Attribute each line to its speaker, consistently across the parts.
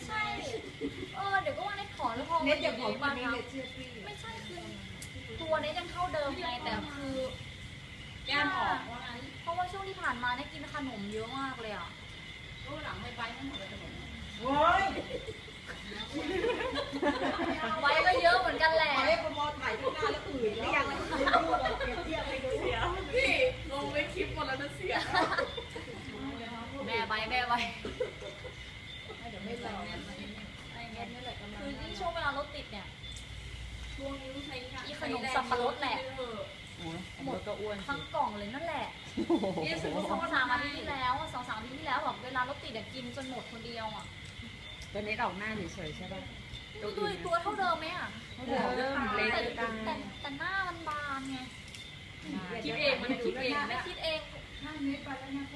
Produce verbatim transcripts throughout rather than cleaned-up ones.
Speaker 1: ใช่เออเดี๋ยวก็ว่าเน็ตขอแล้วพอ
Speaker 2: เน็ตอย่าบอก
Speaker 1: มา
Speaker 2: ว่าเน็ตเชื่อพี่
Speaker 1: ไม่ใช่คือตัวเน็ตยังเท่าเดิมไงแต่คือ
Speaker 3: แก้มออกว่างั้น
Speaker 1: เพราะว่าช่วงที่ผ่านมาเนี่ยกินขนมเยอะมากเลยอ่ะ
Speaker 3: ก็หลังไม่ไปทั้งหมดเลยทั้งหมด
Speaker 2: โว้ย
Speaker 1: ไว้ก็เยอะเหมือนกันแหละ
Speaker 2: ขอให้พมถ่ายที่หน้าแล้วอื่นแล้วยังไม่ได้พูดเราเปรียบเทียบให้ดู
Speaker 3: เสียพี่ลงไปคลิปหมดแล้วนะเสีย
Speaker 1: แม่ใบแม่ใบ
Speaker 2: เดี๋ยวไม่รอ
Speaker 1: คือที่ช่วงเวลารถติดเนี่ย
Speaker 3: ช่วงนี้ต้องใช้
Speaker 1: อีขนมสับปะรดแหละ
Speaker 4: หมดก็อ้วน
Speaker 1: ทั้งกล่องเลยนั่นแหละ
Speaker 3: นี่สุด
Speaker 1: สองสามอาทิตย์ที่แล้วอะสองสามอาทิตย์ที่แล้วแบบเวลารถติดอะกินจนหมดคนเดียวอ่ะ
Speaker 4: ตัวนี้ออกหน้าเฉยๆใช่ป่ะ
Speaker 1: ตัวตัวเท่าเดิมไหมอ่ะ
Speaker 4: เริ่มเล็ก
Speaker 1: แต่
Speaker 4: ตา
Speaker 1: แต่แต่หน้ามันบานไง
Speaker 3: คิดเองมันคิดเอง
Speaker 1: ไม่
Speaker 3: นะ
Speaker 1: คิดเอง
Speaker 2: ห้าเมตรไปแล้วนะ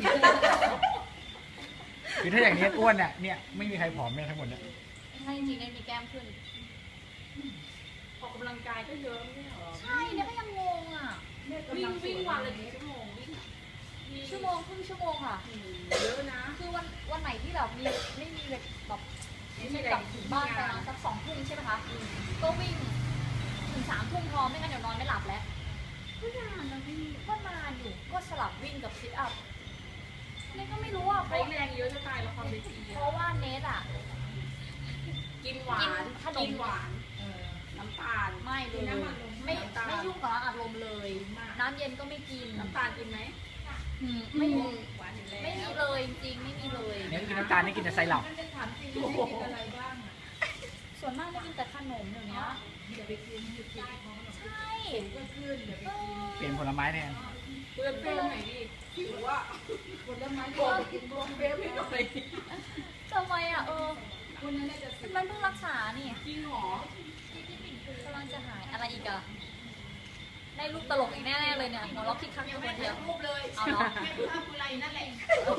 Speaker 5: คือถ้าอย่างนี้อ้วนเนี่ยเนี่ยไม่มีใครผอมแม่ทั้งหมดเนี่ย
Speaker 1: ใช่จริงๆเนี่ยมีแก้มขึ้น
Speaker 3: ออกกำลังกายก็เยอะไม่หรอ
Speaker 1: ใช่เนี่ยก็ยังงงอ่ะ
Speaker 3: วิ่งวิ่งวันละกี่ชั่วโมงวิ่ง
Speaker 1: ชั่วโมงครึ่งชั่วโมงค่ะ
Speaker 3: เยอะนะ
Speaker 1: คือวันวันไหนที่แบบมีไม่มีแบบไม่ใช่กลับถึงบ้านไปประมาณสักสองทุ่มใช่ไหมคะก็วิ่งถึงสามทุ่มพอไม่งั้นเดี๋ยวนอนไม่หลับแล้วก็นานนะพี่ก็นานอยู่ก็สลับวิ่งกับซิทอัพนี่ก็ไม่รู้อ่ะเพ
Speaker 3: ใช้
Speaker 1: ราะ
Speaker 3: แรงเยอะจะตายละครเวที
Speaker 1: เพราะว่าเนทอ่ะ
Speaker 3: กินหวานกินหวานน้ำตาล
Speaker 1: ไม่เลยไม่ไม่ยุ่งกับอารมณ์เลย น้ำเย็นก็ไม่กิน
Speaker 3: น้ำตาลกินไหม
Speaker 1: อืมไม่มี
Speaker 3: หวานอยู่แล้ว
Speaker 1: ไม่มีเลยจริงๆไม่มีเลย
Speaker 5: เนี่ยกินน้ำตาลนี่กินแต่ไซรัป
Speaker 2: มันจะถามจริงว่ากินอะไรบ้างอ่ะ
Speaker 1: ส่วนมากจะกินแต่ขนมเดี๋ยวนี้
Speaker 2: อย่าไปกินอย่ากินของขนม
Speaker 1: ใช่
Speaker 2: ก็ขึ้นอย่าไปกิน
Speaker 5: เปลี่ยนผลไม้แทน
Speaker 3: เพื่อนเพื่อนไหนดิหิวอ่ะ
Speaker 2: ผลไม้ก็ไปกินรวม
Speaker 3: เพื่อนพี่หน่อย
Speaker 1: ทำไมอ่ะเออ
Speaker 2: คนนั้นน่าจะสิบ
Speaker 1: มันเพิ่งรักษานี่
Speaker 3: จริงหรอก
Speaker 1: ำลังจะหายอะไรอีกอะได้ลูกตลกอีกแน่ๆเลยเนี่ยหัวเราะคิดครั้งเดียวคนเดียว
Speaker 3: รูปเลย
Speaker 1: เอาเนาะ
Speaker 3: แม่ภาพกุไลนั่นแหละ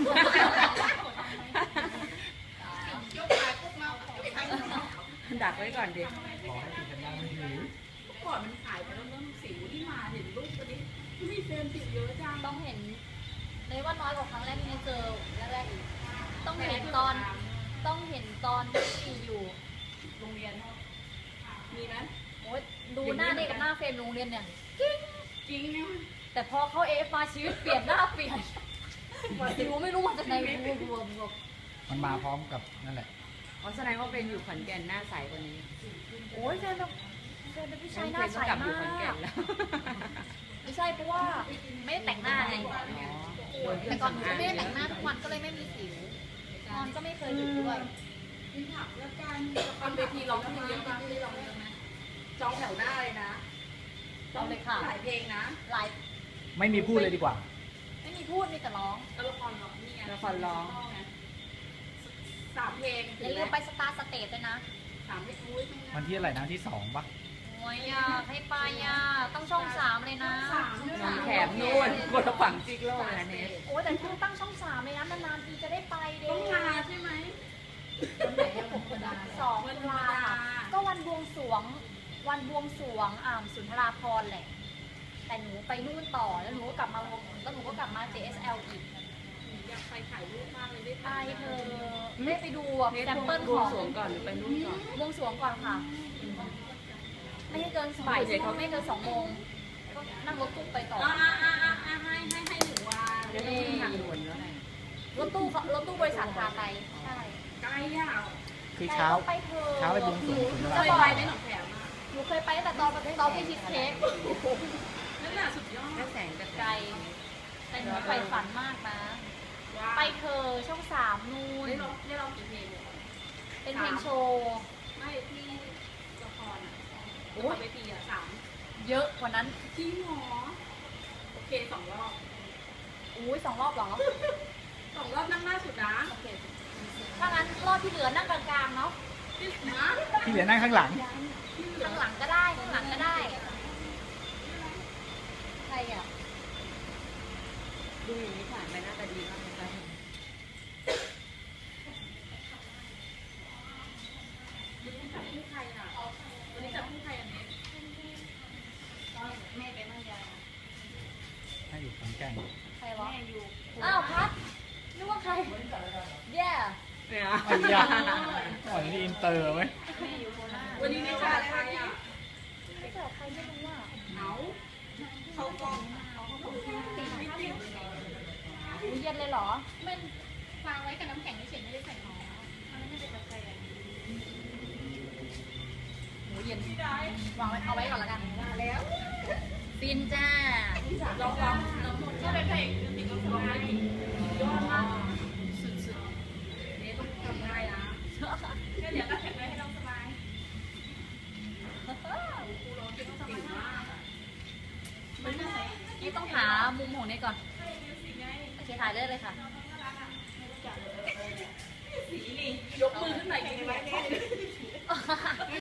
Speaker 3: ยกขาพวกเราไปทำ
Speaker 4: ดักไว้ก่อนดิ
Speaker 5: ขอให้ติดกันได้ไม่ถือ
Speaker 3: ก่อนมันขายไปแล้วเริ่มสิวที่มาเห็นรูปตัวนี้มีเฟรมสิวเยอะจัง
Speaker 1: ต้องเห็นในว่าน้อยกว่าครั้งแรกที่เจอแรกๆอีกต้องเห็นตอนต้องเห็นตอนที่อยู่
Speaker 3: โรงเรียนมีไหม
Speaker 1: โอ๊ยดูหน้าเด็กกับหน้าเฟรมโรงเรียนเนี่ย
Speaker 3: จริงเนี่ย
Speaker 1: แต่พอเขาเอฟมาชีวิตเปลี่ยนหน้าเปลี่ยนรู้ไม่รู้มาจากไหนรวมรวมรวม
Speaker 5: มันมาพร้อมกับนั่นแหละ
Speaker 4: อ๋อแสดงว่าเป็นอยู่ขอนแก่นหน้าใสกว่านี้
Speaker 1: โอ้ยแฟนแบบแฟนเป็นผู้ชายห
Speaker 4: เพ
Speaker 1: น้า
Speaker 4: ลง
Speaker 1: ใส
Speaker 4: ก็กลับอยู่
Speaker 1: มา
Speaker 4: ขอนแก่
Speaker 1: ก
Speaker 4: นแล้ว
Speaker 1: ไม่ใช่เพราะว่าไม่ได้แต่งหน้าไง
Speaker 4: อ๋อโดนเครื่
Speaker 1: แต่
Speaker 4: อง
Speaker 1: ก่อนหนู
Speaker 4: สำอาง
Speaker 1: ไม่ได้แต่งหน้าทุกวันก็เลยไม่มีสิวนอนก็ไม่เคยดึกด้วย
Speaker 2: กินผักแล้วกัน
Speaker 3: ตอนเวทีร้องเพลงเยอะมากที่ร้องเยอะไหมจองแถวหน้าเลยนะ
Speaker 1: เอาเลยค่ะ
Speaker 3: หลายเพลงนะ
Speaker 1: หลาย
Speaker 5: ไม่มีพูดเลยดีกว่า
Speaker 1: ไม่มีพูดมีแต่ร้อง
Speaker 3: ก็ละครร้องนี่ไง
Speaker 4: ละครร้อง
Speaker 3: สามเพลง
Speaker 1: อย่าลืมไปสตาร์สเตจด้วยนะ
Speaker 3: สามเพลงอุ้ย
Speaker 5: วันที่อะไรนะที่สองปะ
Speaker 1: โอ้ยอยากให้ไปอ่ะต้องช่องสามเลยนะ
Speaker 4: น้องแขมนู่นคนละฝั่งจิกโลกนะเนส
Speaker 1: โอ้ยแต่คุณตั้งช่องสามเลยนะนานๆทีจะได้ไปเด้
Speaker 3: ต้องมาใช่ไหม
Speaker 2: คนไหนอะผมก็ได้
Speaker 1: สองตุลาค่ะก็วันบวงสรวง วันบวงสรวงอ่าสุนทราภรณ์แหละ แต่หนูไปนู่นต่อแล้วหนูก็กลับมาแล้วหนูก็กลับมา เจ เอส แอล อีก
Speaker 3: อยากไปถ่ายรูปมากเลยได้
Speaker 1: ไปเธอได้ไปดูอะ
Speaker 4: เนส
Speaker 1: แซมเปิล
Speaker 4: บ
Speaker 1: ข
Speaker 4: ว
Speaker 1: อง ง
Speaker 4: สรวงก่อนหรือไปนู่นก่อน
Speaker 1: บวงสรวงก่อนค่ะ ไม่ให้เกินบ่ายเขาไม่เกินสองโมงก็นั่งรถตู้ไปต่อ
Speaker 3: อ่าอ่าอ่าอ่าให้ให้ให้หนูว่า
Speaker 4: เดี๋ยวต้องขึ้นทางด่วนแล้วไง
Speaker 1: รถตู้เขารถตู้บริษัทพาไปใช่
Speaker 3: ไกลอ่ะ
Speaker 5: คือเช้า
Speaker 1: ไปเธอ
Speaker 5: เช้าไปบวงสรวงถึงเว
Speaker 3: เค
Speaker 5: ลา
Speaker 3: ยไปไหมหนองแขมอ่ะ
Speaker 1: หนูเคยไปตั้งแต่ตอนตอนไปชีสเค้ก
Speaker 3: นั่นแหละสุดยอด
Speaker 4: แค่แสงกับ
Speaker 1: ไกลแต่หนูใฝ่ฝันมากนะ
Speaker 3: ว่า
Speaker 1: ไปเธอช่องสามนู่น
Speaker 3: ได้ร้องได้ร้องกี่เพลงเนี่ย
Speaker 1: เป็นเพลงโชว์
Speaker 3: ไม่ที่ละครอ่ะ
Speaker 1: โอ้
Speaker 3: ละค
Speaker 1: ย
Speaker 3: รเวทีอ่ะสาม
Speaker 1: เยอะกว่านั้น
Speaker 3: จริงเหรอโอเคสองรอบ
Speaker 1: อุ้ยสองรอบเหรอ
Speaker 3: สองรอบนั่งหน้าสุดนะ
Speaker 1: โอเคถ้างั้นรอบที่เหลือนั่งกลางๆเนาะ
Speaker 3: ที่นะ
Speaker 5: ที่เหลือนั่งข้างหลัง
Speaker 1: ข้างหลังก็ได้ข้างหลังก็ได้ใครอ่ะ
Speaker 4: ดูอย่างนี้ผ่านไปหน้าตาดีมากเลยค่ะ
Speaker 3: วันนี้จับคู่ใครอ่ะวันนี้จับคู่ใครอันนี้
Speaker 1: แม่ไปมั่นยา
Speaker 5: ให้อยู่ขอนแก่น
Speaker 1: ใครวะ
Speaker 3: แม่อยู่
Speaker 1: อ้าวพัดนึกว่าใคร แย่
Speaker 4: เนี่ย
Speaker 5: ไอ้ยาอ๋อนี่อินเตอร์ไหม
Speaker 3: วันนี้ไม่จ่ายใครอ่ะ
Speaker 1: ไม่เจอใครไม่รู้อ่ะ
Speaker 3: เอา
Speaker 2: เขากล้อง
Speaker 1: อุ๊ยเย็นเลยเหรอ
Speaker 6: มันวางไว้กับน้ำแข็งเฉยๆไม่ได้ใส่น้ำมันไม่ได้เป็นกาแฟ
Speaker 1: หมูเย็นวางไว้เอาไว้ก่อนละกัน
Speaker 2: มาแล้ว
Speaker 1: ฟินจ้า
Speaker 3: ลองลองน้องนนท์ก็เป็นเพลงติดลมสบายยอดมากสุดๆเนี่ยต้องทำได้นะก็เดี๋ยวก็แข็งแรงให้น้องสบายครูร้องจะต้องสบายมากมันน่าใส่
Speaker 1: นี่ต้องหามุมของนี้ก่อน โอเคถ่ายเลยเลยค่ะ
Speaker 3: สีนี่ยกมือขึ้นหน่อยดีไหม